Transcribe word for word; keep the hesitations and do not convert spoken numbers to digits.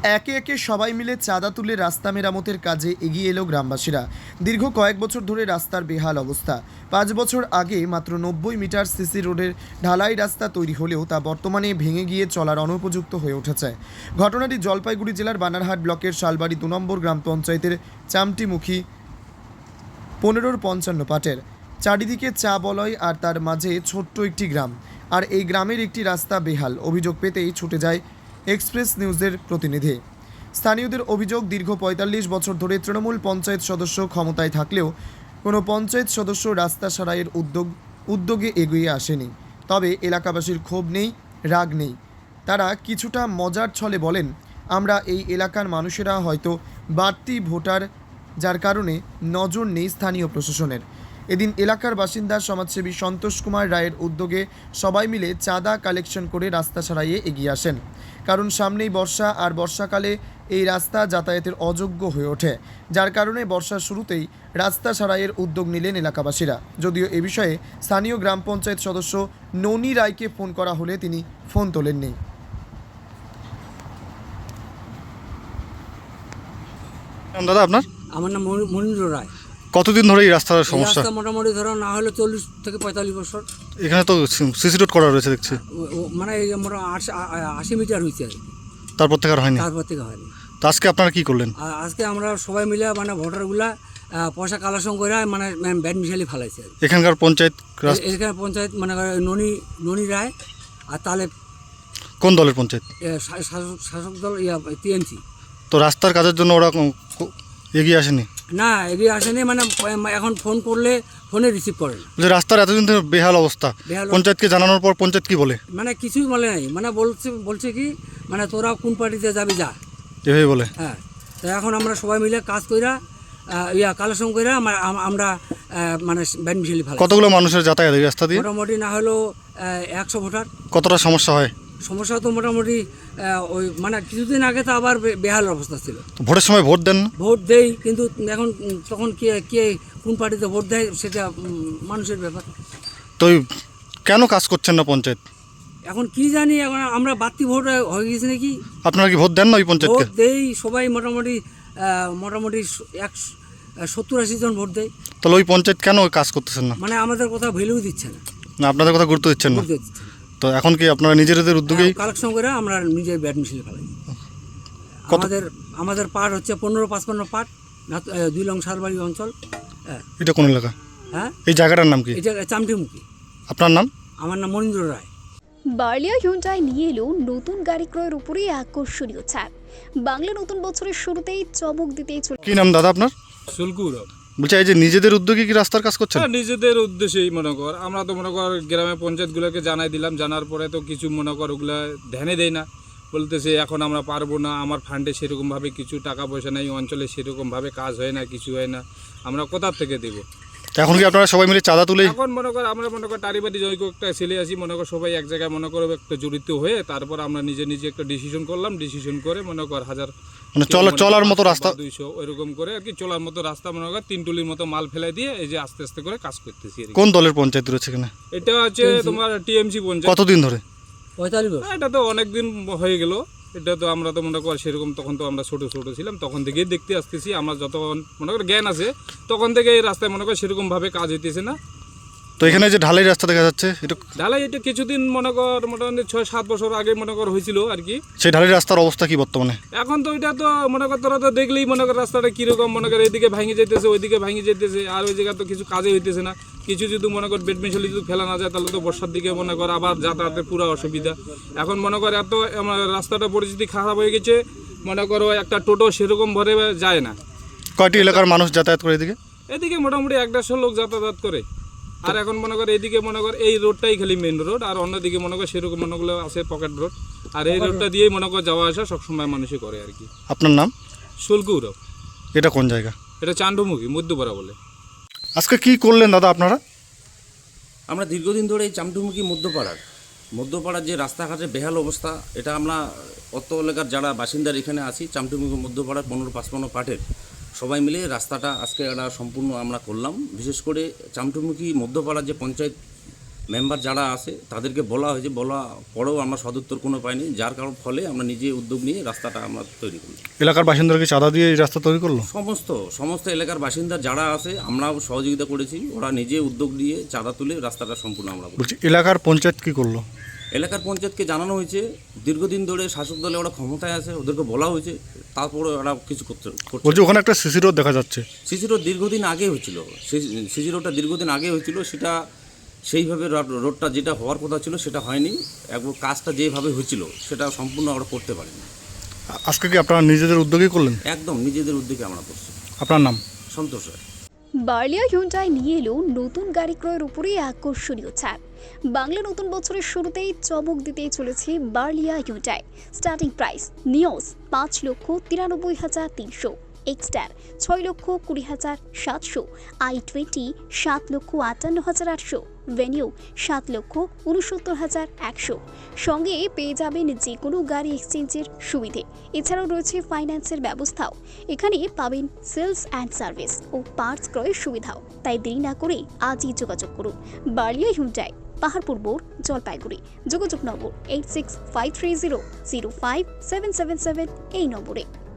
একে একে সবাই মিলে চাঁদা তুলে রাস্তা মেরামতের কাজে এগিয়ে এলো গ্রামবাসীরা। দীর্ঘ কয়েক বছর ধরে রাস্তার বেহাল অবস্থা। পাঁচ বছর আগে মাত্র নব্বই মিটার সিসি রোডের ঢালাই রাস্তা তৈরি হলেও তা বর্তমানে ভেঙে গিয়ে চলার অনুপযুক্ত হয়ে উঠেছে। ঘটনাটি জলপাইগুড়ি জেলার বানারহাট ব্লকের শালবাড়ি দু নম্বর গ্রাম পঞ্চায়েতের চামটিমুখী পনেরোর পঞ্চান্ন পাটের। চারিদিকে চা বলয় আর তার মাঝে ছোট্ট একটি গ্রাম, আর এই গ্রামের একটি রাস্তা বেহাল। অভিযোগ পেতেই ছুটে যায় এক্সপ্রেস নিউজের প্রতিনিধি। স্থানীয়দের অভিযোগ, দীর্ঘ পঁয়তাল্লিশ বছর ধরে তৃণমূল পঞ্চায়েত সদস্য ক্ষমতায় থাকলেও কোনো পঞ্চায়েত সদস্য রাস্তা সারাইয়ের উদ্যোগ উদ্যোগে এগিয়ে আসেনি। তবে এলাকাবাসীর ক্ষোভ নেই, রাগ নেই। তারা কিছুটা মজার ছলে বলেন, আমরা এই এলাকার মানুষেরা হয়তো বাড়তি ভোটার, যার কারণে নজর নেই স্থানীয় প্রশাসনের। এদিন এলাকার বাসিন্দা সমাজসেবী সন্তোষ কুমার রায়ের উদ্যোগে সবাই মিলে চাঁদা কালেকশন করে রাস্তা সারাইয়ে এগিয়ে আসেন। কারণ সামনেই বর্ষা, আর বর্ষাকালে এই রাস্তা যাতায়াতের অযোগ্য হয়ে ওঠে, যার কারণে বর্ষার শুরুতেই রাস্তা সারাইয়ের উদ্যোগ নিলেন এলাকাবাসীরা। যদিও এ বিষয়ে স্থানীয় গ্রাম পঞ্চায়েত সদস্য ননী রায়কে ফোন করা হলে তিনি ফোন তোলেননি। দাদা, আপনার? আমার নাম মনীন্দ্র রায়। কতদিন ধরে এই রাস্তার সমস্যা? রাস্তা মোটামুটি ধরো না হলে চল্লিশ থেকে পঁয়তাল্লিশ বছর। এখানে তো সিসি রোড করা রয়েছে দেখছি। ও- ও মানে এই মোটা আশি আশি মিটার হয়েছে আর কি, তারপর থেকে আর হয়নি। তারপর থেকে হয়নি। তো আজকে আপনারা কি করলেন? আর আজকে আমরা সবাই মিলে মানে ভোটারগুলা আহ, পয়সা কালেকশন করে মানে ব্যাট মিশালি ফেলাইছে আর কি। এখানকার পঞ্চায়েত রাস- এ- এখানে পঞ্চায়েত মানে ননী ননী রায় আর তাহলে কোন দলের পঞ্চায়েত? শাসক শাসক দল ইয়া টিএমসি। তো রাস্তার কাজের জন্য ওরা কো- কো- এগিয়ে আসেনি? না, এগিয়ে আসেনি, মানে এখন ফোন করলে ফোনে রিসিভ করে না। যে রাস্তার এতদিন ধরে বেহাল অবস্থা, বেহাল পঞ্চায়েতকে জানানোর পর পঞ্চায়েত কি বলে? মানে কিছুই বলে নাই, মানে বলছে বলছে কি মানে তোরা কোন পার্টিতে যাবি যা, এভাবে বলে। হ্যাঁ। তো এখন আমরা সবাই মিলে কাজ কইরা আহ, ইয়া কালেকশন কইরা আমরা- আম- আমরা আহ, মানে ব্যাট মিশালি ফেলা। কতগুলো মানুষের যাতায়াত এই রাস্তা দিয়ে? মোটামুটি না হলেও আহ, একশো ভোটার। কতটা সমস্যা হয়? সমস্যা তো মোটামুটি আহ, ওই মানে কিছুদিন আগে তো আবার বে- বেহাল অবস্থা ছিল। তো ভোটের সময় ভোট দেন না? ভোট দেই, কিন্তু এখন উম, তখন কে কে কোন পার্টিতে ভোট দেয় সেটা উম, মানুষের ব্যাপার। তো এই কেন কাজ করছেন না পঞ্চায়েত? এখন কি জানি, এখন আমরা বাড়তি ভোট হয়ে গেছে নাকি। আপনারা কি ভোট দেন না ওই পঞ্চায়েতকে? ভোট দেই সবাই, মোটামুটি আহ, মোটামুটি এক সত্তর আশি জন ভোট দেয়। তাহলে ওই পঞ্চায়েত কেন ওই কাজ করতেছেন না? মানে আমাদের কথা ভ্যালু দিচ্ছে না, না আপনাদের কথা গুরুত্ব দিচ্ছেন না? গুরুত্ব দিচ্ছে না। তো এখন কি আপনারা নিজেদের উদ্যোগেই? কালেকশন করে আমরা নিজের ব্যাট মিশিয়ে ফেলাই। কত- আমাদের আমাদের পাট হচ্ছে পনেরো পাঁচপান্ন পাট, নাত- আহ, দুই লং শালবাড়ি অঞ্চল। হ্যাঁ, এটা কোন এলাকা? হ্যাঁ, এই জায়গাটার নাম কি? এটা চামটিমুখী। আপনার নাম? আমার নাম মনীন্দ্র রায়। বার্লিয়া হিউন্ডাই নিয়ে এলো নতুন গাড়ি ক্রয়ের উপরে আকর্ষণীয় ছাড়। বাংলা নতুন বছরের শুরুতেই চমক দিতেই চলে। কি নাম দাদা আপনার? শুল্কুরব। বলছি এই যে নিজেদের উদ্যোগে কি রাস্তার কাজ করছেন? হ্যাঁ, নিজেদের উদ্দেশ্যেই মনে কর, আমরা তো মনে কর গ্রামে পঞ্চায়েতগুলোকে জানাই দিলাম, জানার পরে তো কিছু মনে কর ওগুলা ধ্যানে দেয় না, বলতেছে এখন আমরা পারবো না, আমার ফান্ডে সেরকমভাবে কিছু টাকা পয়সা নেই, অঞ্চলে সেরকমভাবে কাজ হয় না, কিছু হয় না, আমরা কোথার থেকে দেবো। তো এখন কি আপনারা সবাই মিলে চাঁদা তুলে? এখন মনে কর আমরা মনে কর টারিবাড়ি জৈক একটা ছেলে আছি, মনে কর সবাই এক জায়গায় মনে করো একটা জড়িত হয়ে তারপর আমরা নিজে নিজে একটা ডিসিশন করলাম, ডিসিশন করে মনে কর হাজার মানে চলা চলার মতো রাস্তা? দুইশো ওইরকম করে আর কি চলার মতো রাস্তা মনে কর তিন টুলির মতো মাল ফেলাই দিয়ে এই যে আস্তে আস্তে করে কাজ করতেছি আর কি। কোন দলের পঞ্চায়েত রয়েছে এখানে? এটা হচ্ছে তোমার টিএমসি পঞ্চায়েত। কতদিন ধরে? পঁয়তাল্লিশ বছর। এটা তো অনেক দিন হয়ে গেল, এটা তো আমরা তো মনে কর সেরকম তখন তো আমরা ছোট ছোট ছিলাম, তখন থেকেই দেখতে আসতেছি, আমরা যতক্ষণ মনে কর জ্ঞান আছে তখন থেকে এই রাস্তায় মনে কর সেরকম ভাবে কাজ হইতেছে না। তো এখানে যে ঢালাই রাস্তা দেখা যাচ্ছে, এটা ঢালাই এটা কিছুদিন মনে কর মোটামুটি ছয় সাত বছর আগে মনে কর হয়েছিল আর কি। সেই ঢালাই রাস্তার অবস্থা কি বর্তমানে? এখন তো এটা তো মনে কর তোরা তো দেখলেই মনে কর রাস্তাটা কিরকম মনে কর এদিকে ভাঙে যেতেছে ওইদিকে ভাঙে যেতেছে, আর ওই জায়গা তো কিছু কাজে হইতেছে না। কিছু যদি মনে কর বেড মিশালি যদি ফেলা না যায় তাহলে তো বর্ষার দিকে মনে কর আবার যাতায়াতের পুরো অসুবিধা। এখন মনে কর এত আমার রাস্তাটা পরিস্থিতি খারাপ হয়ে গেছে, মনে করো একটা টোটো সেরকম ভরে যায় না। কয়টি এলাকার মানুষ যাতায়াত করে এদিকে? এদিকে মোটামুটি এক দেড়শো লোক যাতায়াত করে। আর এখন মনে কর এইদিকে মনে কর এই রোডটাই খালি মেন রোড, আর অন্যদিকে মনে কর সেরকম মনে করলে আছে পকেট রোড, আর এই রোডটা দিয়েই মনে কর যাওয়া আসা সবসময় মানুষই করে আর কি। আপনার নাম? শুল্কুরব। এটা কোন জায়গা? এটা চান্ডমুখী মধ্যপাড়া বলে। আজকে কি করলেন দাদা আপনারা? আমরা দীর্ঘদিন ধরে এই চামটুমুখী মধ্যপাড়ার মধ্যপাড়ার যে রাস্তাঘাটের বেহাল অবস্থা, এটা আমরা অত এলাকার যারা বাসিন্দার এখানে আছি চামটুমুখী মধ্যপাড়ার পনেরো পাঁচপান্ন পাটের সবাই মিলে রাস্তাটা আজকে একটা সম্পূর্ণ আমরা করলাম। বিশেষ করে চামটুমুখী মধ্যপাড়ার যে পঞ্চায়েত মেম্বার যারা আছে তাদেরকে বলা হয়েছে, বলা পরেও আমরা সদুত্তর কোনো পাইনি, যার কারণ ফলে আমরা নিজে উদ্যোগ নিয়ে রাস্তাটা আমরা তৈরি করি। এলাকার বাসিন্দারা কি চাঁদা দিয়ে এই রাস্তা তৈরি করলো? সমস্ত সমস্ত এলাকার বাসিন্দা যারা আছে আমরাও সহযোগিতা করেছি, ওরা নিজে উদ্যোগ নিয়ে চাঁদা তুলে রাস্তাটা সম্পূর্ণ আমরা করি। বলছি এলাকার পঞ্চায়েত কি করলো? এলাকার পঞ্চায়েতকে জানানো হয়েছে, দীর্ঘদিন ধরে শাসক দলে ওরা ক্ষমতায় আছে, ওদেরকে বলা হয়েছে, তারপরে ওরা কিছু করতে করছে। বলছি ওখানে একটা সিসি রোড দেখা যাচ্ছে। সিসি রোড দীর্ঘদিন আগে হয়েছিল, সিসি রোডটা দীর্ঘদিন আগে হয়েছিল, সেটা সেইভাবে রোড- রোডটা যেটা হওয়ার কথা ছিল সেটা হয়নি, একবার কাজটা যেভাবে হয়েছিল সেটা সম্পূর্ণ আমরা করতে পারিনি। আ- আজকে কি আপনারা নিজেদের উদ্যোগেই করলেন? একদম নিজেদের উদ্যোগে আমরা করছি। আপনার নাম? সন্তোষ রায়। বার্লিয়া হিউন্ডাই নিয়ে এলো নতুন গাড়ি ক্রয়ের উপরে আকর্ষণীয় ছাড়। বাংলা নতুন বছরের শুরুতেই চমক দিতেই চলেছে বার্লিয়া হিউন্ডাই। স্টার্টিং প্রাইস নিওস পাঁচ লক্ষ তিরানব্বই হাজার তিনশো, এক্সটার ছয় লক্ষ কুড়ি হাজার সাতশো, আই টোয়েন্টি সাত লক্ষ আটান্ন হাজার আটশো, ভেনিউ সাত লক্ষ উনসত্তর হাজার একশো। সঙ্গে পেয়ে যাবেন যে কোনো গাড়ি এক্সচেঞ্জের সুবিধে। এছাড়াও রয়েছে ফাইন্যান্সের ব্যবস্থাও। এখানে পাবেন সেলস অ্যান্ড সার্ভিস ও পার্টস ক্রয়ের সুবিধাও। তাই দেরি না করে আজই যোগাযোগ করুন বার্লিয়া হিউন্ডাই, পাহাড়পুর মোড়, জলপাইগুড়ি। যোগাযোগ number eight six five three zero zero five seven seven seven এই নম্বরে।